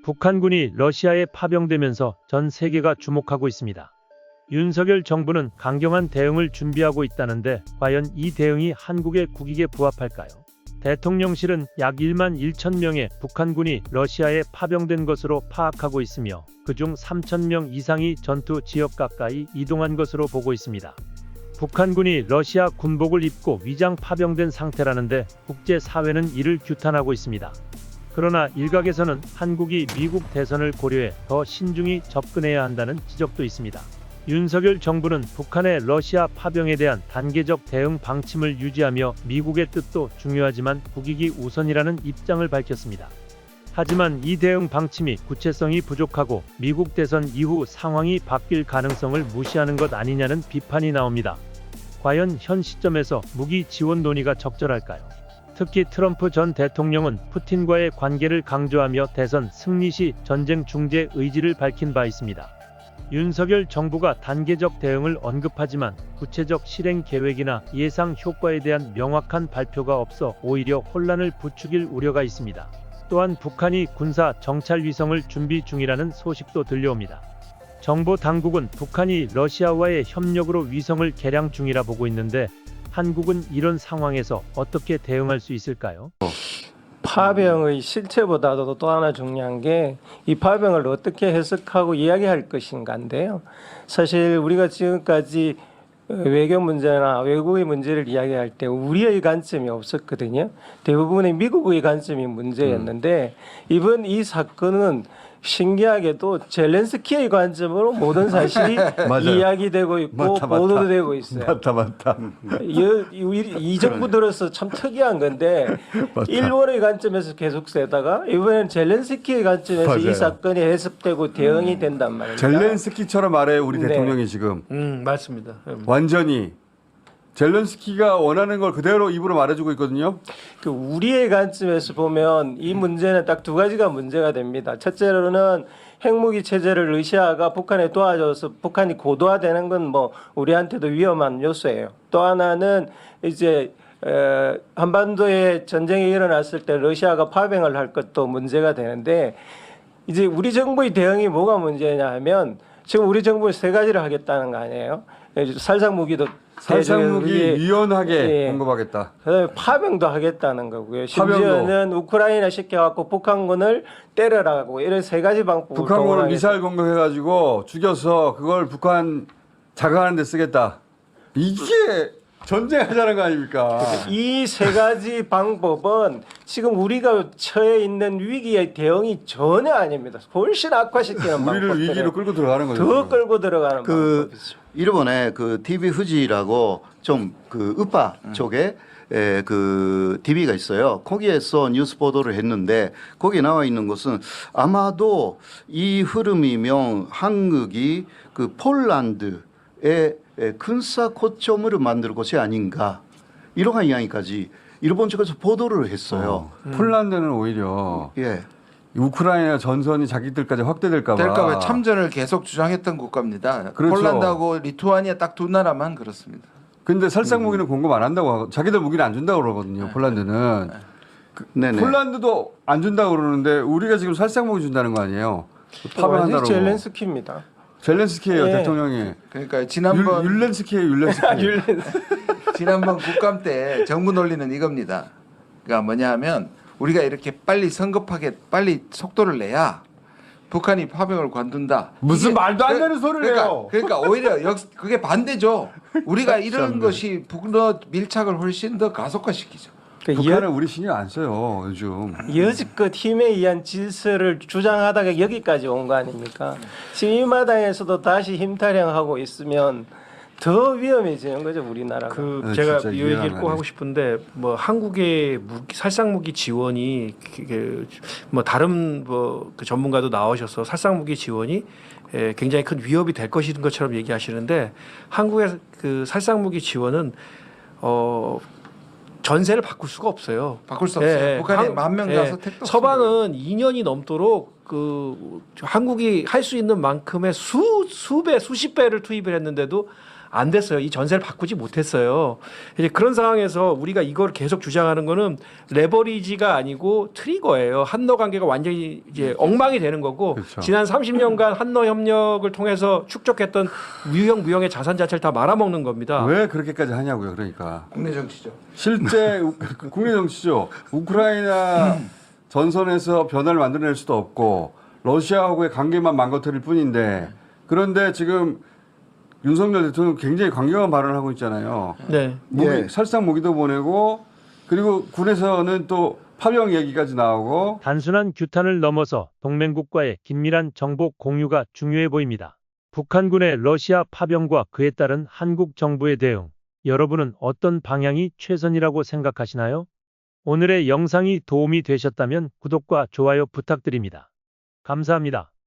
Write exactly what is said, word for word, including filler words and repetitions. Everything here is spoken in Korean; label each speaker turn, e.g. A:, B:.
A: 북한군이 러시아에 파병되면서 전 세계가 주목하고 있습니다. 윤석열 정부는 강경한 대응을 준비하고 있다는데 과연 이 대응이 한국의 국익에 부합할까요? 대통령실은 약 일만 일천 명의 북한군이 러시아에 파병된 것으로 파악하고 있으며 그중 삼천 명 이상이 전투 지역 가까이 이동한 것으로 보고 있습니다. 북한군이 러시아 군복을 입고 위장 파병된 상태라는데 국제사회는 이를 규탄하고 있습니다. 그러나 일각에서는 한국이 미국 대선을 고려해 더 신중히 접근해야 한다는 지적도 있습니다. 윤석열 정부는 북한의 러시아 파병에 대한 단계적 대응 방침을 유지하며 미국의 뜻도 중요하지만 국익이 우선이라는 입장을 밝혔습니다. 하지만 이 대응 방침이 구체성이 부족하고 미국 대선 이후 상황이 바뀔 가능성을 무시하는 것 아니냐는 비판이 나옵니다. 과연 현 시점에서 무기 지원 논의가 적절할까요? 특히 트럼프 전 대통령은 푸틴과의 관계를 강조하며 대선 승리 시 전쟁 중재 의지를 밝힌 바 있습니다. 윤석열 정부가 단계적 대응을 언급하지만 구체적 실행 계획이나 예상 효과에 대한 명확한 발표가 없어 오히려 혼란을 부추길 우려가 있습니다. 또한 북한이 군사 정찰 위성을 준비 중이라는 소식도 들려옵니다. 정보 당국은 북한이 러시아와의 협력으로 위성을 개량 중이라 보고 있는데 한국은 이런 상황에서 어떻게 대응할 수 있을까요?
B: 파병의 실체보다도 또 하나 중요한 게 이 파병을 어떻게 해석하고 이야기할 것인가인데요. 사실 우리가 지금까지 외교 문제나 외국의 문제를 이야기할 때 우리의 관점이 없었거든요. 대부분의 미국의 관점이 문제였는데 이번 이 사건은 신기하게도 젤렌스키의 관점으로 모든 사실이 이야기되고 있고
C: 맞다, 맞다.
B: 보도도 되고 있어요.
C: 맞다 맞다.
B: 이, 이, 이 정부 들어서 참 특이한 건데 일본의 관점에서 계속 세다가 이번엔 젤렌스키의 관점에서
C: 맞아요.
B: 이 사건이 해석되고 대응이 된단 말입니다.
C: 젤렌스키처럼 말해 우리
B: 네.
C: 대통령이 지금
D: 음 맞습니다.
C: 완전히 젤렌스키가 원하는 걸 그대로 입으로 말해주고 있거든요.
B: 그 우리의 관점에서 보면 이 문제는 딱 두 가지가 문제가 됩니다. 첫째로는 핵무기 체제를 러시아가 북한에 도와줘서 북한이 고도화되는 건 뭐 우리한테도 위험한 요소예요. 또 하나는 이제 에, 한반도에 전쟁이 일어났을 때 러시아가 파병을 할 것도 문제가 되는데 이제 우리 정부의 대응이 뭐가 문제냐 하면 지금 우리 정부는 세 가지를 하겠다는 거 아니에요. 살상 무기도
C: 살상무기 유연하게
B: 예.
C: 공급하겠다.
B: 그다음에 파병도 하겠다는 거고요.
C: 파병도.
B: 심지어는 우크라이나 시켜갖고 북한군을 때려라고 이런 세 가지 방법을
C: 북한군을
B: 동원하겠다.
C: 미사일 공격해가지고 죽여서 그걸 북한 자극하는 데 쓰겠다. 이게 전쟁하자는 거 아닙니까?
B: 이 세 가지 방법은 지금 우리가 처해 있는 위기의 대응이 전혀 아닙니다. 훨씬 악화시키는
C: 우리를
B: 방법들.
C: 위기로 끌고 들어가는 거죠.
B: 더
C: 지금.
B: 끌고 들어가는
E: 그
B: 방법이죠.
E: 일본의 그 티비 후지라고 좀 그 우파 쪽에 에, 그 티비가 있어요. 거기에서 뉴스 보도를 했는데 거기에 나와 있는 것은 아마도 이 흐름이면 한국이 그 폴란드의 군사 거점을 만들 것이 아닌가 이러한 이야기까지 일본 측에서 보도를 했어요.
C: 어, 폴란드는 오히려
E: 예.
C: 우크라이나 전선이 자기들까지 확대될까 봐.
F: 될까 봐 참전을 계속 주장했던 국가입니다.
C: 그렇죠.
F: 폴란드하고 리투아니아 딱 두 나라만 그렇습니다.
C: 근데 살상 무기는 공급 안 한다고 하고 자기들 무기는 안 준다고 그러거든요. 폴란드는.
E: 네네.
C: 폴란드도 안 준다고 그러는데 우리가 지금 살상 무기 준다는 거 아니에요? 파병한다고.
B: 완전히 젤렌스키입니다.
C: 젤렌스키예요,
B: 예.
C: 대통령이.
F: 그러니까 지난번
C: 율, 율렌스키예요, 율렌스키.
F: 지난번 국감 때 정부 논리는 이겁니다. 그러니까 뭐냐하면 우리가 이렇게 빨리 성급하게 빨리 속도를 내야 북한이 파병을 관둔다.
C: 무슨
F: 이게-
C: 말도 안
F: 그-
C: 되는 소리를
F: 그러니까,
C: 해요.
F: 그러니까 오히려 역 그게 반대죠. 우리가 이런
C: 참네.
F: 것이 북러 밀착을 훨씬 더 가속화시키죠.
B: 그러니까
C: 북한은 우리 신경 안 써요, 요즘.
B: 여지껏 힘에 의한 질서를 주장하다가 여기까지 온 거 아닙니까? 지금 이 마당에서도 다시 힘타령하고 있으면 더 위험해지는 거죠, 우리나라가.
D: 그
C: 네,
D: 제가
C: 진짜
D: 이
C: 이해가
D: 얘기를
C: 안
D: 꼭
C: 가네.
D: 하고 싶은데 뭐 한국의 무기, 살상 무기 지원이 그, 뭐 다른 뭐 그 전문가도 나오셔서 살상 무기 지원이 에, 굉장히 큰 위협이 될 것인 것처럼 얘기하시는데 한국의 그 살상 무기 지원은 어 전세를 바꿀 수가 없어요.
F: 바꿀 수 없어요.
D: 예, 예.
F: 북한에
D: 한-
F: 만 명
D: 예.
F: 가서 택도
D: 서방은 이 년이 넘도록 그 한국이 할 수 있는 만큼의 수 수배 수십 배를 투입을 했는데도 안 됐어요. 이 전세를 바꾸지 못했어요. 이제 그런 상황에서 우리가 이걸 계속 주장하는 거는 레버리지가 아니고 트리거예요. 한러 관계가 완전히 이제 엉망이 되는 거고
C: 그렇죠.
D: 지난 삼십 년간 한러 협력을 통해서 축적했던 유형 무형의 자산 자체를 다 말아먹는 겁니다.
C: 왜 그렇게까지 하냐고요. 그러니까
F: 국내 정치죠.
C: 실제 우- 국내 정치죠. 우크라이나 전선에서 변화를 만들어낼 수도 없고 러시아하고의 관계만 망가뜨릴 뿐인데 그런데 지금 윤석열 대통령 굉장히 강경한 발언을 하고 있잖아요.
D: 네.
C: 무기,
E: 예.
C: 살상 무기도 보내고 그리고 군에서는 또 파병 얘기까지 나오고
A: 단순한 규탄을 넘어서 동맹국과의 긴밀한 정보 공유가 중요해 보입니다. 북한군의 러시아 파병과 그에 따른 한국 정부의 대응, 여러분은 어떤 방향이 최선이라고 생각하시나요? 오늘의 영상이 도움이 되셨다면 구독과 좋아요 부탁드립니다. 감사합니다.